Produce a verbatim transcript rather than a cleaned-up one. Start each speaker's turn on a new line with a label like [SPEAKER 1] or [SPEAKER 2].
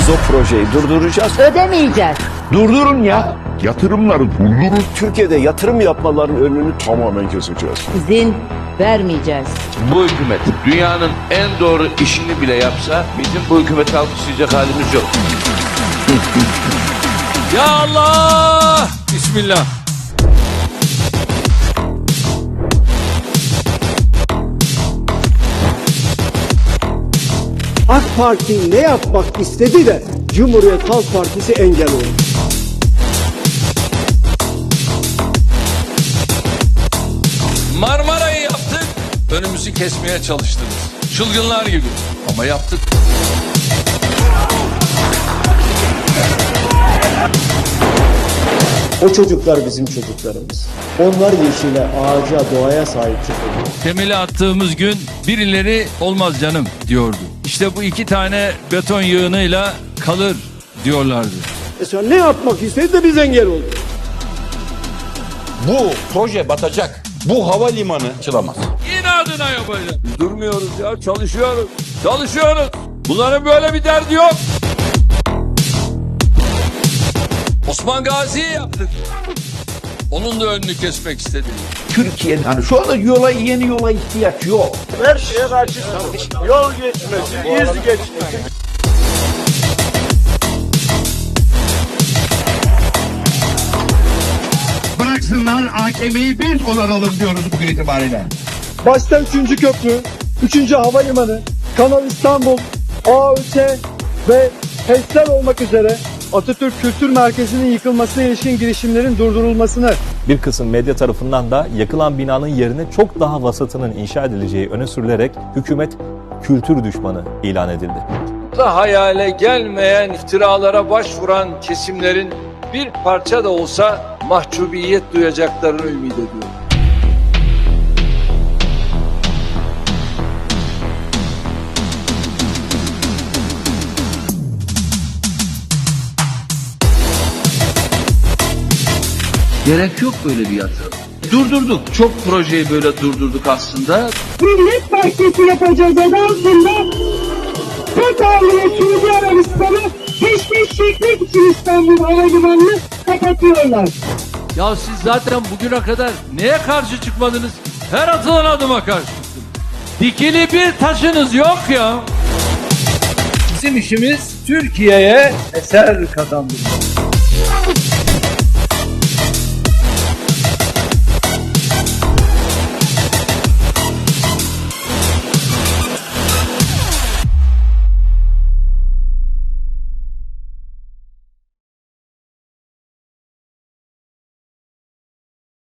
[SPEAKER 1] Biz o projeyi durduracağız.
[SPEAKER 2] Ödemeyeceğiz.
[SPEAKER 1] Durdurun ya.
[SPEAKER 3] Yatırımları durdurun.
[SPEAKER 1] Türkiye'de yatırım yapmaların önünü tamamen keseceğiz.
[SPEAKER 2] İzin vermeyeceğiz.
[SPEAKER 4] Bu hükümet dünyanın en doğru işini bile yapsa bizim bu hükümeti alkışlayacak halimiz yok.
[SPEAKER 5] Ya Allah! Bismillah.
[SPEAKER 6] AK Parti ne yapmak istedi de Cumhuriyet Halk Partisi engel oldu.
[SPEAKER 5] Marmara'yı yaptık, önümüzü kesmeye çalıştınız. Çılgınlar gibi ama yaptık.
[SPEAKER 6] O çocuklar bizim çocuklarımız. Onlar yeşile, ağaca, doğaya sahip çıkıyor.
[SPEAKER 5] Temeli attığımız gün birileri olmaz canım diyordu. İşte bu iki tane beton yığınıyla kalır diyorlardı.
[SPEAKER 6] Mesela ne yapmak istedi de biz engel olduk.
[SPEAKER 7] Bu proje batacak. Bu havalimanı açılamaz.
[SPEAKER 5] İnadına yapacağız. Biz durmuyoruz ya, çalışıyoruz. Çalışıyoruz. Bunların böyle bir derdi yok. Osman Gazi'yi yaptık. Onun da önünü kesmek istedik.
[SPEAKER 3] Türkiye yani şu anda yola yeni yola ihtiyaç yok.
[SPEAKER 8] Her şeye karşı yol geçmesi, iz geçmesi.
[SPEAKER 3] Bıraksınlar A K M'yi biz onaralım diyoruz bugün itibariyle.
[SPEAKER 6] Başta üçüncü köprü, üçüncü havalimanı, Kanal İstanbul, A Ö T ve HES'ler olmak üzere Atatürk Kültür Merkezi'nin yıkılmasına ilişkin girişimlerin durdurulmasını,
[SPEAKER 9] bir kısım medya tarafından da yakılan binanın yerine çok daha vasatının inşa edileceği öne sürülerek hükümet kültür düşmanı ilan edildi.
[SPEAKER 5] Da hayale gelmeyen iftiralara başvuran kesimlerin bir parça da olsa mahcubiyet duyacaklarını ümit ediyorum.
[SPEAKER 4] Gerek yok böyle bir yatırım. Durdurduk. Çok projeyi böyle durdurduk aslında.
[SPEAKER 10] Millet Partisi yapacağız adı altında Katar'la Suudi Arabistan'ı peşkeş çekmek için İstanbul Havalimanı'nı kapatıyorlar.
[SPEAKER 5] Ya siz zaten bugüne kadar neye karşı çıkmadınız ki? Her atılan adıma karşı çıktınız. Dikili bir taşınız yok ya. Bizim işimiz Türkiye'ye eser kazandırmak.